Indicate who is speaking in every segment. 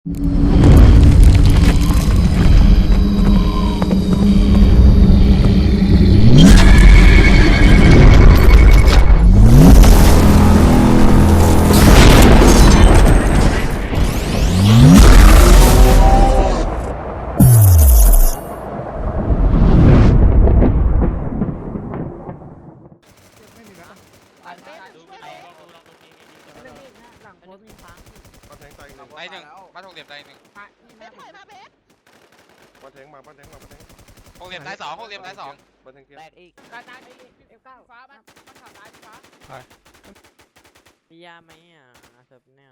Speaker 1: ได้หนึ่งบ้านหกเหลี่ยมได้หนึ่ง
Speaker 2: เบสถอยมาเบส
Speaker 3: บ้านแทงมาบ้านแทงมาบ้านแทง
Speaker 1: หกเหลี่ยมได้สองหกเหลี่ยมได้สอง
Speaker 3: บ้านแทงเกียร์
Speaker 4: แตกอีก
Speaker 2: กระจายไปF9ฟ้าบ้านข่าวตายฟ้า
Speaker 4: มียาไหมอ่ะเซิร์ฟเนี่ย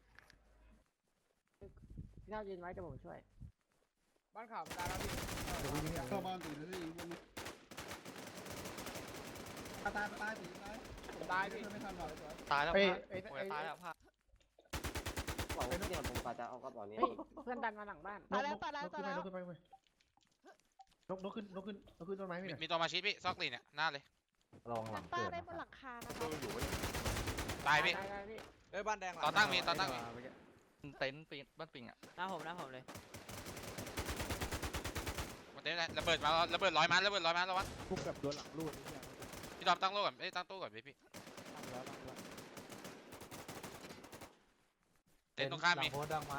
Speaker 2: พี่เท่ายืนไว้จะผมช่วยบ้านข่าวตายแล้วพี่
Speaker 5: เข้าบ้านตีเลยยิงบนนี้ตายตีตาย
Speaker 2: ผมตายพี่
Speaker 5: ไม่ทันหรอก
Speaker 6: ตายแล้ว
Speaker 5: เอ้
Speaker 6: พาตายแล้วพา
Speaker 7: บอกว่าเนี่ยผมก็จะเอากระเป๋านี้
Speaker 2: เพื่อนดันมาหลังบ้าน
Speaker 5: ตายแล้วนกขึ้นไปนกขึ้นต้นไม้ไม่ได้
Speaker 1: มีตัวมาชิดพี่ซอกลีเนี่ยหน้าเลย
Speaker 7: ลองหลัง
Speaker 2: ป้า
Speaker 7: เกิด
Speaker 2: ได้บนหลังคานะค
Speaker 3: ก็
Speaker 2: รับ
Speaker 3: อยู่ไว้
Speaker 1: ตายพี่
Speaker 2: พี่
Speaker 6: เอ้ยบ้านแดง
Speaker 1: ต่อตั้งมีต่อตั้งมี
Speaker 6: เต็นท์ปีนบ้านปิงอ่ะ
Speaker 4: หน้าผมเลย
Speaker 1: มันเต็มเลยระเบิดมาระเบิดร้อยมันระเบิดร้อยมันแล้ววะ
Speaker 5: คุกกับโดนหลังรูด
Speaker 1: พี่ดอมตั้งโล่ก่อนตั้งตู้ก่อนพี่เต็นตรงข้ามมี
Speaker 6: หลังโพสดังมา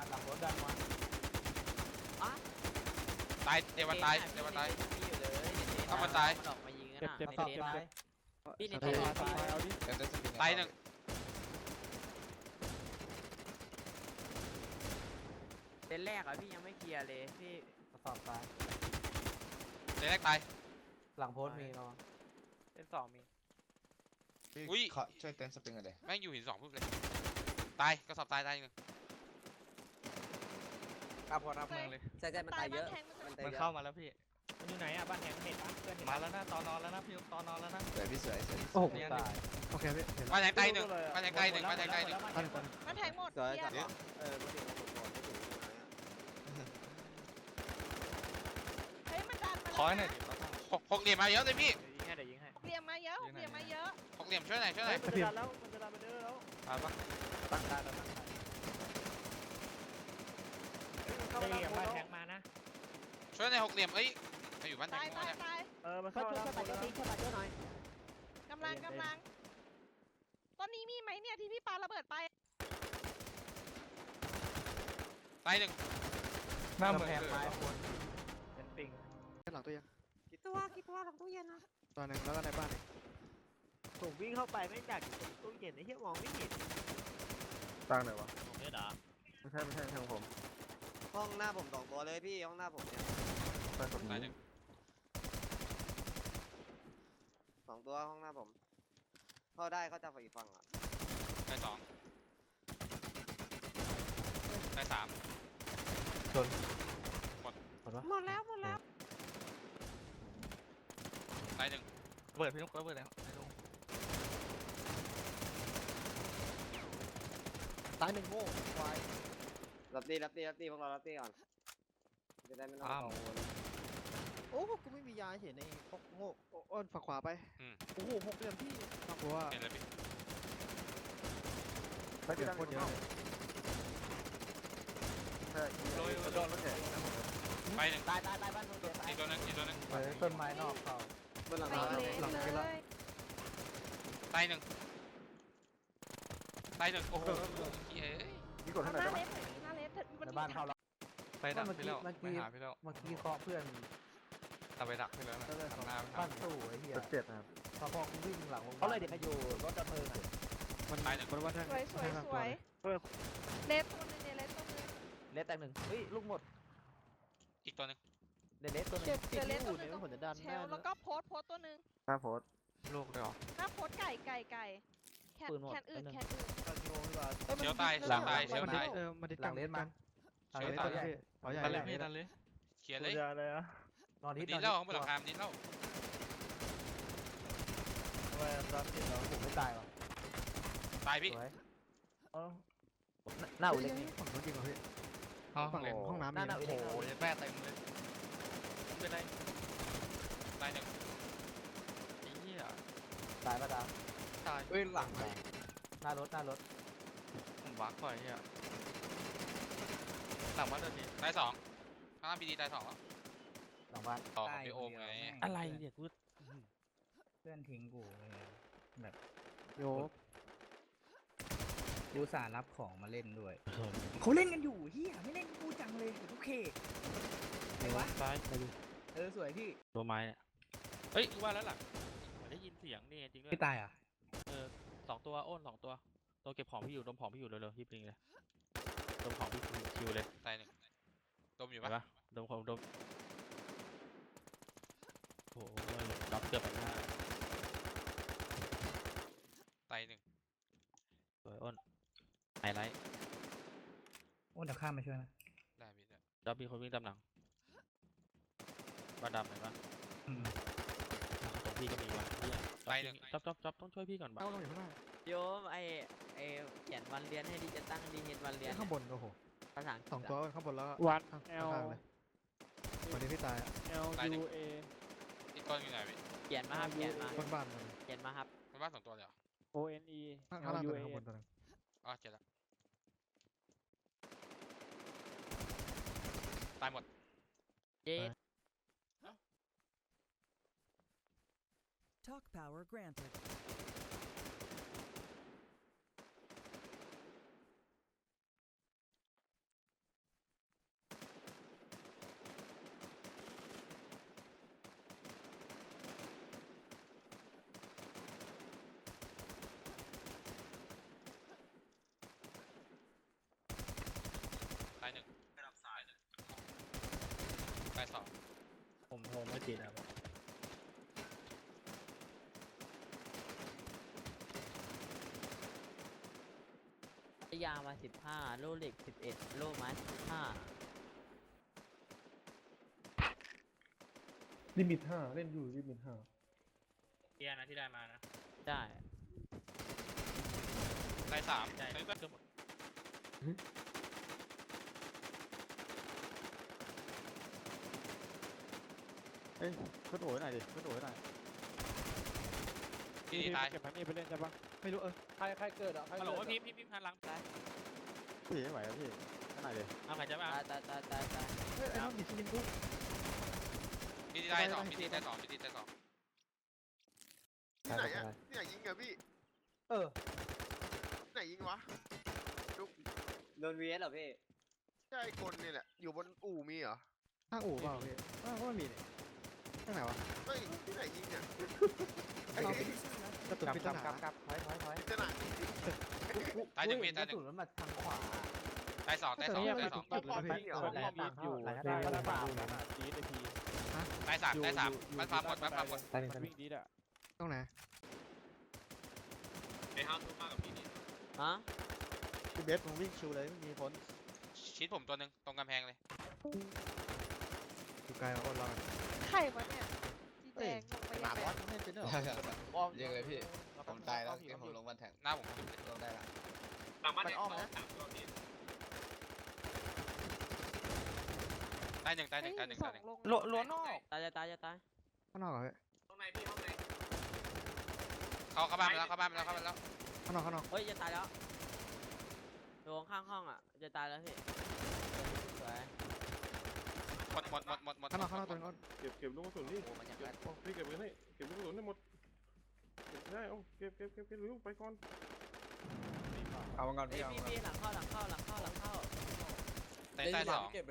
Speaker 1: ตายเดี๋ยวมันตายเดี๋ยวมันตาย
Speaker 4: มีอยู่เลยออกมายิงกันในเทสพี่ในเทส
Speaker 1: ตายหนึ่ง
Speaker 4: เทสแรกอ่ะพี่ยังไม่เคลียร์เลยพี่
Speaker 6: สอบตาย
Speaker 1: เดี๋ยวแรกตาย
Speaker 6: หลังโพสมีเนาะ
Speaker 4: เทสสองมี
Speaker 1: อุ้ย
Speaker 8: ช่วยเต้นสปริงหน่อยดิ
Speaker 1: แม่งอยู่หินสองปุ๊บเลยตายก็สอบตายหนึ่ง
Speaker 6: ข้าพอรับเมืองเลย
Speaker 7: ใช่มันตายเยอะมันตาย
Speaker 6: มัน
Speaker 7: เย
Speaker 6: เข้า
Speaker 7: อะ
Speaker 6: มาแล้วพี่
Speaker 4: มันอยู่ไหนอ่ะบ้านแหงเห็นปะเพื่อนเห็น
Speaker 6: มาแล้วนะตอนนอนแล้วนะพี่ตอนนอนแล้วนะ
Speaker 8: สวยพี่สวย
Speaker 6: โอ้โหตาย
Speaker 5: โอเคพี่
Speaker 1: บ้านแทงตายหนึ่งบ้านแทงตายหนึ่งบ้านแทงตายหนึ่ง
Speaker 2: มันแทงหมด
Speaker 7: สวย
Speaker 2: เกีย
Speaker 7: จัด
Speaker 2: ร์
Speaker 7: มาถึงหมดไม่ถึง
Speaker 2: เฮ้ยมันดันมา
Speaker 6: ขอให้หน่อยดิ
Speaker 1: หกเหลี่ยมมาเยอะเลยพี่
Speaker 4: เดี๋ยวยิงให้
Speaker 2: เรียมมาเยอะเรียมมาเยอะ
Speaker 1: หกเหลี่ยมช่วยหน่อย
Speaker 4: มันจะดันแล้ว
Speaker 6: ตายปะตั้งตายแล้วตั้งตาย
Speaker 4: เข้าบ้านแหงมานะ
Speaker 1: ช่วยหน่อยหกเหลี่ยมเอ้ยไปอยู่บ้านแท
Speaker 2: ตาย
Speaker 1: ง
Speaker 2: ตายตาย
Speaker 4: มันเข้าแล้ว
Speaker 2: กำลังตอนนี้มีไหมเนี่ยที่พี่ปาระเบิดไป
Speaker 1: ตายหนึ่ง
Speaker 6: หน้าเมืองแพงไม้
Speaker 4: เป็นปิง
Speaker 5: หลังตัวยัง
Speaker 2: กี่ตัวหลังตู้เย็นนะ
Speaker 5: ตอนนึงแล้วก็ในบ้าน
Speaker 4: ผมวิ่งเข้าไปไม่จากตู้เย็นไอ้เหี้ยมองไม่เห็น
Speaker 5: ตั้งไหนวะ
Speaker 4: เนี่ยเหรอ
Speaker 5: ไม่ใช่ทางผม
Speaker 7: ห้องหน้าผมสองตัวเลยพี่ห้องหน้าผมเนี่ย
Speaker 5: ไปผม
Speaker 1: ตายหนึ่ง
Speaker 7: สองตัวห้องหน้าผมเข้าได้เขาจะฝ่ายฟังอ่ะ
Speaker 1: ตายสองตายสาม
Speaker 2: หมดแล้ว
Speaker 1: ตายหนึ่ง
Speaker 6: เปิดพี่นุ๊กเปิดแล้ว
Speaker 5: ตายหนึ่งโง่ควาย
Speaker 7: รับตีพวกเรารับตีก่อนจะได้ไม่ต้องกังวล
Speaker 5: โอ้กูไม่มียาเห็นไอ้พวกโง่อ้นฝั่งขวาไปโอ้โหหกเหลี่ยมพี่ฝั่งขวา
Speaker 1: เห็นเลยพี่
Speaker 5: แล้วเดี๋ยวโคตรเยอะใช่โดนรถแห่
Speaker 1: ไปหนึ่ง
Speaker 4: ตายบ้านนู้น
Speaker 1: อีกตัวหนึง
Speaker 6: ต้นไม้นอกเขา
Speaker 7: บนหลัง
Speaker 2: ไป
Speaker 7: คา
Speaker 2: เลย
Speaker 1: ตายหนึ่งโอ้โหเฮ้ย
Speaker 5: นี่กด
Speaker 2: ห
Speaker 5: เท่าไหร่
Speaker 2: น้า
Speaker 5: ได้
Speaker 2: เล
Speaker 5: ไหม
Speaker 2: สหน้าเลส
Speaker 6: ในบ้านเขาแล้วไปดักพี่แล้วไม่หาพี่แล้ว
Speaker 5: เมื่อกี้เคาะเพื่อน
Speaker 6: แต่ไปดักพี่แล้วนะทำหน้าไม่
Speaker 5: ปั้น
Speaker 6: ทำ
Speaker 5: ตู้ไอ้เหี้ยเจ็ดนะครับพอวิ่งหลัง
Speaker 4: เขาเลยเดี๋ยวไปอยู่รถดับเพลิงอ่ะ
Speaker 1: ตายหนึ่ง
Speaker 5: มันว่า
Speaker 2: สวยเลสตัวนึงเลสตัวนึง
Speaker 4: เลสแตกหนึ่งเฮ้ยลูกหมด
Speaker 1: อีกตัวหนึง
Speaker 4: เลสตัวนึง
Speaker 2: เจอเลสตัวนึงเชลแล้วก็โพสตัวนึง
Speaker 5: หน้าโพส
Speaker 6: ลูกเลยหรอ
Speaker 2: หน้าโพสไก่แคนอื่น
Speaker 1: เชียวตายเชียวตาย
Speaker 5: มันได้
Speaker 4: หลังเลสมา
Speaker 1: เชียวตาย
Speaker 6: นั่นเลยพี่นั่นเลย
Speaker 1: เขียนเลย
Speaker 4: นอนนิด
Speaker 1: ดินเล่าของบนหลังคาดินเล่า
Speaker 4: ผมไม่ตายหรอ
Speaker 1: ตายพี่
Speaker 4: หน้าอุเล็กนี่
Speaker 5: ฝั่งนู้นจริงเหรอพี่
Speaker 6: ห้อง
Speaker 5: ฝั่ง
Speaker 6: เลย
Speaker 5: ห้องน้ำ
Speaker 4: หน้า
Speaker 5: นี่
Speaker 4: อุเล็ก
Speaker 6: โอ้ยแม่เต็มเลยเป็นไร
Speaker 1: ตายหนึ่ง
Speaker 6: ไอ้เหี้ย
Speaker 4: ตายปะดา
Speaker 6: ตายเอ้ยหลัง
Speaker 4: หน้ารถ
Speaker 6: ผมบักไปเหี้ยลังบ้านตัวนี้
Speaker 1: ตายสองข้างล่างพีดีตายสองแล้ว
Speaker 8: หลังบ้าน
Speaker 1: ต่อของพี่โอมไง
Speaker 8: อะไรเนี่ยกูเพื่อนทิ้งกูเลยแบบ
Speaker 5: โย
Speaker 8: กูสารับของมาเล่นด้วยเขาเล่นกันอยู่เฮียไม่เล่นกูจังเลยโอเคไหนวะ
Speaker 9: ซ้ายไปดู
Speaker 8: สวยพี่
Speaker 9: ตัวไม้เนี่ยเฮ้ยกูว่าแล้วหลังเหมือนได้ยินเสียงนี่จริงด้วย
Speaker 8: พี่ตายอ่ะ
Speaker 9: สองตัวโอ้น2 ตัวตัวเก็บของพี่อยู่ดมของพี่อยู่เร็วๆพี่ปริงเลยดมของพี่คิวเลย
Speaker 1: ตายหนึ่งดมอยู่
Speaker 9: เห็น
Speaker 1: ปะ
Speaker 9: ปะดมของดมโอ้โหน็อกเกือบไปหน้า
Speaker 1: ตายหนึ่ง
Speaker 9: สวยอ้นไฮไลท์
Speaker 8: โอ้เดี๋ยวข้ามมาช่วยนะ
Speaker 1: ได้พี่ได้
Speaker 9: แล้วมีคนวิ่งตามหลังบ้านดำเห็นปะ
Speaker 8: อืม
Speaker 9: ตรงพี่ก็มีว่ะเหี้ย
Speaker 1: ตายหนึ่ง
Speaker 9: จ๊อบต้องช่วยพี่ก่อนบ้า
Speaker 5: เอาตรงไหนข้างหน้า
Speaker 4: โยมไอเขียนวันเรียนให้ดีจะตั้งดีเห็นวันเรียน
Speaker 5: ข้างบนโอ้โห
Speaker 4: ภาษาอังกฤษ
Speaker 5: สองตัวข้างบนแล้ว
Speaker 9: วัน
Speaker 5: ข้างเลยวันนี้พี่ตาย
Speaker 9: L U A
Speaker 1: อีกก้อนอยู่ไหนพี่
Speaker 4: เขียนมาครับเขียนมา
Speaker 5: บนบ้านมัน
Speaker 4: เขียนมาครับ
Speaker 1: มันบ้านสองตัวเลยเหรอ
Speaker 9: O N E
Speaker 5: ข้าง
Speaker 9: L
Speaker 5: ล่าง
Speaker 9: U
Speaker 5: ตัว
Speaker 9: A
Speaker 5: นึงข้างบนตัวนึง
Speaker 1: อ๋อเจอแล้วตายหมด
Speaker 4: เจ๊
Speaker 10: Talk power granted.
Speaker 1: ตายหนึ่งตายสอง
Speaker 9: ผมโทรไม่ติดครับ
Speaker 4: ยามา15โล่เหล็ก11โล่ไม้15
Speaker 3: ลิมิต5เล่นอยู่ลิมิต5
Speaker 9: เทียนะที่ได้มานะ
Speaker 4: ได้
Speaker 1: ตายสาม
Speaker 9: ใช่
Speaker 1: เฮ้ย
Speaker 9: เกือบหมด
Speaker 5: เฮ้ยขึ้นโอยหน่อยดิขึ้นโอยหน่อย
Speaker 1: พีดีตาย
Speaker 9: เก็บพันนี่ไปเล่นใช่ปะ
Speaker 5: ไม่รู้
Speaker 6: ใครเกิดอ่ะ
Speaker 9: ฮัลโหลพี่พันหลังตาย
Speaker 5: พี่ไม่ไหวแล้วพี่ข้างไหนดิ
Speaker 9: เอาใครจะมา
Speaker 4: ตาย
Speaker 5: เฮ้ยไอ้น้องดิชินกู
Speaker 1: พีดีตายสองพีดีตายสองพีดีตายสอง
Speaker 3: ที่ไหนอ่ะที่ไหนยิงอะพี่ ที่ไหนยิงวะ
Speaker 7: โดน VS เหรอพี่
Speaker 3: ใช่ไอ้คนนี่แหละ อยู่บนอู่มีเหรอ
Speaker 5: ข้างอู่เปล่าพี่ก็ไม่มีเนี่ยข้างไหนวะ
Speaker 3: เฮ้ย ที่ไหนยิงเนี่ย
Speaker 5: เอาไปกระตุกพิจารณา
Speaker 3: พิจารณา
Speaker 1: ตายหนึ่งพี่ตายหนึ่ง
Speaker 8: มันมาทางขวา
Speaker 1: ตายสองตายสองตายสอง
Speaker 3: เอาพอพี่เหรอ
Speaker 9: แลนด์อยู่ได้ได้ป่าวนะดีไอพี
Speaker 1: ตายสามตายสามมันฟาร์มหมดมันฟาร์มหมด
Speaker 9: มันวิ่งดีอ่ะ
Speaker 5: ตรงไหน
Speaker 1: ไปห้ามทุกมากกับพีดี
Speaker 4: ฮะ
Speaker 5: พี่เบสมึงวิ่งชิวเลยไม่มีผล
Speaker 1: ชิดผมตัวหนึ่งตรงกำแพงเลย
Speaker 5: อยู่ไกลมาอ้นเรา
Speaker 2: ไข่วะเนี่ยสีแดงลงไป
Speaker 5: หมา
Speaker 2: ยัง
Speaker 5: บ
Speaker 2: ไง
Speaker 5: อสไม่เป็นเหรอ
Speaker 6: ยิงเลยพี่ ผมตายแล้วเกมผมลงบันแทง
Speaker 1: หน้าผมขึ้นเลย
Speaker 6: ลงได้ละ
Speaker 5: มันอ้อมนะ
Speaker 1: ตายหนึ่งตายหนึ่งตายหนึ่ง
Speaker 2: ส
Speaker 1: ตา
Speaker 2: อย ง
Speaker 1: หนึ่ง
Speaker 2: ลง
Speaker 6: ล้วนนอก
Speaker 4: ตาย
Speaker 5: ข้างนอกเหรอพี่
Speaker 1: เข้าบ้านไปแล้วเข้าบ้านไปแล้วเข้าบ้านแล้ว
Speaker 5: ข้างนอกข้างนอก
Speaker 4: เฮ้ยจะตายแล้วโดนข้างห้องอ่ะจะตายแล้วพี่สวย
Speaker 1: หมดหมด
Speaker 5: ข้างนอกตัวนึงอ้น
Speaker 3: เก็บลูกกระสุนนี่
Speaker 4: โอ้มันยัง
Speaker 3: เก็บพี่เก็บไว้ให้เก็บลูกกระสุนให้หมดเก็บได้เอาเก็บเร็วไปก่อน
Speaker 6: เอามันก่อน
Speaker 4: เอ้ยพี่หลังเข้า
Speaker 1: ตายสอง